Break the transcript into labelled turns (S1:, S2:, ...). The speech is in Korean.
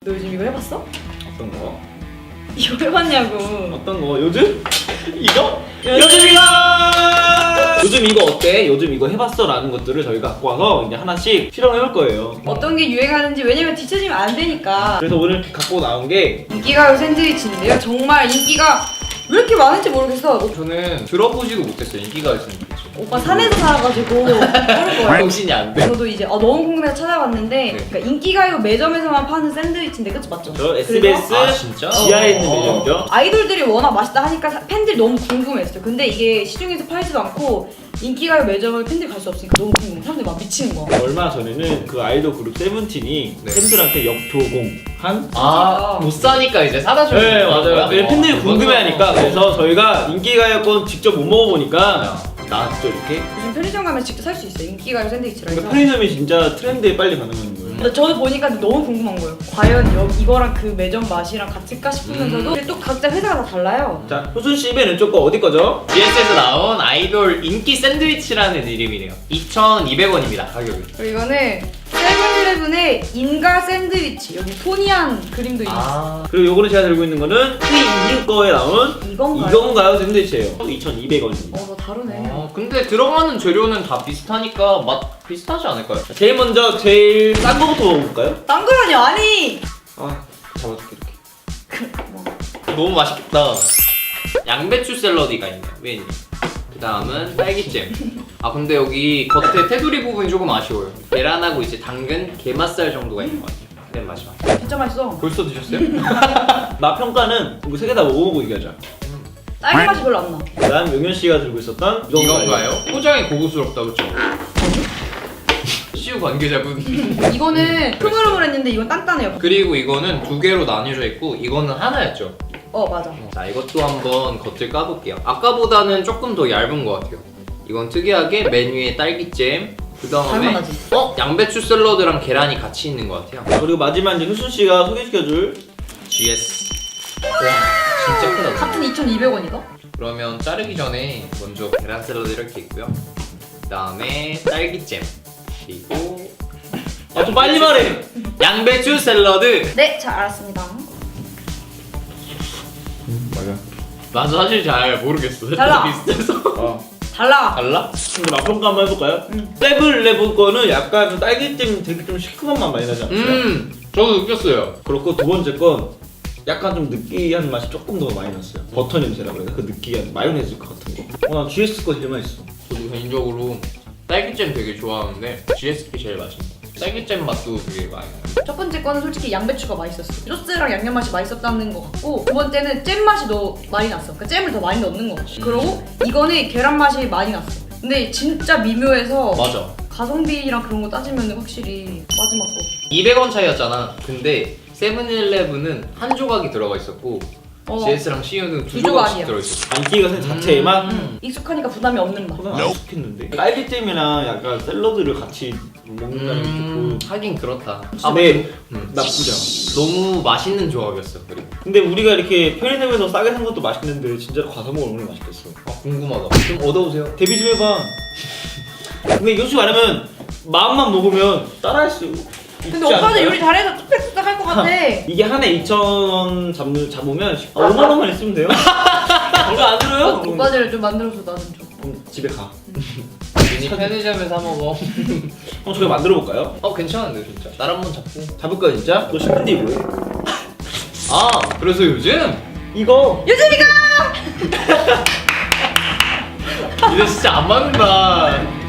S1: 너 요즘 이거 해봤어?
S2: 어떤 거?
S1: 이거 해봤냐고.
S2: 어떤 거? 요즘? 이거? 요즘 이거! 요즘 이거 어때? 요즘 이거 해봤어? 라는 것들을 저희가 갖고 와서 이제 하나씩 실험해볼 거예요.
S1: 어떤 게 유행하는지, 왜냐면 뒤처지면 안 되니까.
S2: 그래서 오늘 갖고 나온 게
S1: 인기가요 샌드위치인데요. 정말 인기가 왜 이렇게 많은지 모르겠어.
S3: 저는 들어보지도 못했어요. 인기가 있으면 그렇죠.
S1: 오빠 산에서 살아가지고 모를 거예요.
S3: 정신이 안 돼.
S1: 저도 이제 너무 궁금해서 찾아봤는데
S3: 네.
S1: 그러니까 인기가요 매점에서만 파는 샌드위치인데 그치 맞죠?
S2: 저 SBS
S3: 아, 진짜?
S2: 지하에 있는 매점이죠.
S1: 아이돌들이 워낙 맛있다 하니까 팬들이 너무 궁금했어요. 근데 이게 시중에서 팔지도 않고 인기가요 매점을 팬들이 갈 수 없으니까 너무 궁금해. 사람들이 막 미치는 거야.
S2: 얼마 전에는 그 아이돌 그룹 세븐틴이
S3: 네.
S2: 팬들한테 역조공한
S3: 아, 못 사니까 이제 사다 주는
S2: 네 맞아요.
S3: 거야?
S2: 왜 팬들이
S3: 어,
S2: 궁금해하니까
S3: 그거구나.
S2: 그래서 저희가 인기가요권 직접 못 먹어보니까 나왔죠 이렇게.
S1: 요즘 편의점 가면 직접 살 수 있어요. 인기가요 샌드위치라 해서.
S2: 그러니까 편의점이 진짜 트렌드에 빨리 반응하는 거예요.
S1: 근데 저도 보니까 너무 궁금한 거예요. 과연 이거랑 그 매점 맛이랑 같을까 싶으면서도 근데 또 각자 회사가 다 달라요.
S2: 자, 효순 씨 맨 왼쪽 거 어디 거죠?
S3: GS에서 나온 아이돌 인기 샌드위치라는 이름이래요. 2,200원입니다, 가격이.
S1: 그리고 이거는 세븐일레븐의 인가 샌드위치. 여기 토니한 그림도 있어요.
S2: 그리고 요거는 제가 들고 있는 거는 트윈 거에 나온
S1: 이건가요?
S2: 이건가요 샌드위치예요. 2,200원입니다.
S1: 너 다르네.
S3: 근데 들어가는 재료는 다 비슷하니까 맛 비슷하지 않을까요?
S2: 제일 먼저 제일 싼 거부터 먹어볼까요?
S1: 딴 거라뇨 아니.
S2: 아, 잡아줄게 이렇게.
S3: 너무 맛있겠다. 양배추 샐러디가 있네요, 메인에. 그 다음은 딸기잼. 아 근데 여기 겉에 테두리 부분이 조금 아쉬워요. 계란하고 이제 당근, 게맛살 정도가 있는 것 같아요. 근데 맛이 맛있어요.
S1: 진짜 맛있어.
S3: 벌써 드셨어요?
S2: 맛 평가는 이거 세 개 다 먹어보고 얘기하자.
S1: 딸기 맛이 별로 안 나.
S2: 그다음 용현 씨가 들고 있었던
S3: 이건가요? 포장이 고급스럽다, 그쵸? CU 관계자분.
S1: 이거는 흐물흐물했는데 이건 단단해요.
S3: 그리고 이거는 두 개로 나뉘어져 있고 이거는 하나였죠.
S1: 맞아.
S3: 자, 이것도 한번 겉을 까볼게요. 아까보다는 조금 더 얇은 것 같아요. 이건 특이하게 메뉴에 딸기잼, 그 다음에
S1: 달달하지?
S3: 양배추 샐러드랑 계란이 같이 있는 것 같아요.
S2: 그리고 마지막 이제 효순 씨가 소개시켜줄
S3: GS. 와, 진짜 크다.
S1: 같은 2,200원이다?
S3: 그러면 자르기 전에 먼저 계란 샐러드 이렇게 있고요. 그 다음에 딸기잼, 그리고
S2: 좀 빨리 말해.
S3: 양배추 샐러드.
S1: 네, 잘 알았습니다.
S2: 맞아.
S3: 난 사실 잘 모르겠어.
S1: 달라.
S3: 비슷해서.
S1: 달라.
S3: 달라?
S2: 근데 맛 평가 한번 해볼까요?
S1: 응.
S2: 세븐일레븐 거는 약간 좀 딸기잼 되게 좀 시큼한 맛 많이 나지 않았어요?
S3: 저도 느꼈어요.
S2: 그렇고 두 번째 건 약간 좀 느끼한 맛이 조금 더 많이 났어요. 버터 냄새라고 해야 되나? 그 느끼한 마요네즈 것 같은 거. 난 GS 거 제일 맛있어.
S3: 저도 개인적으로 딸기잼 되게 좋아하는데 GSP 제일 맛있는 것 같아요. 딸기잼 맛도 되게 많이 나요.
S1: 첫 번째 거는 솔직히 양배추가 맛있었어. 소스랑 양념 맛이 맛있었다는 것 같고 두 번째는 잼 맛이 더 많이 났어. 그러니까 잼을 더 많이 넣는 것 같아. 그리고 이거는 계란 맛이 많이 났어. 근데 진짜 미묘해서
S3: 맞아.
S1: 가성비랑 그런 거 따지면 확실히 마지막 거.
S3: 200원 차이였잖아. 근데 세븐일레븐은 한 조각이 들어가 있었고 GS랑 CU는 두
S1: 두
S3: 조각씩
S1: 조각이야.
S3: 들어있었어.
S2: 안기가 생 자체에만
S1: 익숙하니까 부담이 없는 맛.
S2: 저는 안 익숙했는데 딸기잼이랑 약간 샐러드를 같이 먹는다는 게 조금
S3: 하긴 그렇다.
S2: 네,
S3: 음.
S2: 나쁘지 않아.
S3: 너무 맛있는 조합이었어. 그리고
S2: 근데 우리가 이렇게 편의점에서 싸게 산 것도 맛있는데 진짜로 가서 먹으면 얼마나 맛있겠어.
S3: 궁금하다. 좀 얻어오세요.
S2: 데뷔 좀 해봐. 근데 솔직히 말하면 마음만 먹으면 따라할 수
S1: 근데 오빠는 요리 잘해서 뚝딱뚝딱 할 것 같아.
S2: 이게 한 해 2,000원 잡으면 5만 원만 있으면 돼요. 이거 안 들어요?
S1: 오빠들 좀 만들어서 나 좀 줘.
S2: 그럼 집에 가.
S3: 괜히 편의점에 사 먹어.
S2: 그럼 저희 만들어 볼까요?
S3: 괜찮은데 진짜. 날 한번 잡고.
S2: 잡을까 진짜? 너 싶은데 뭐해?
S3: 아, 그래서 요즘
S2: 이거
S1: 요즘이가!
S3: 이제 진짜 안 맞는다.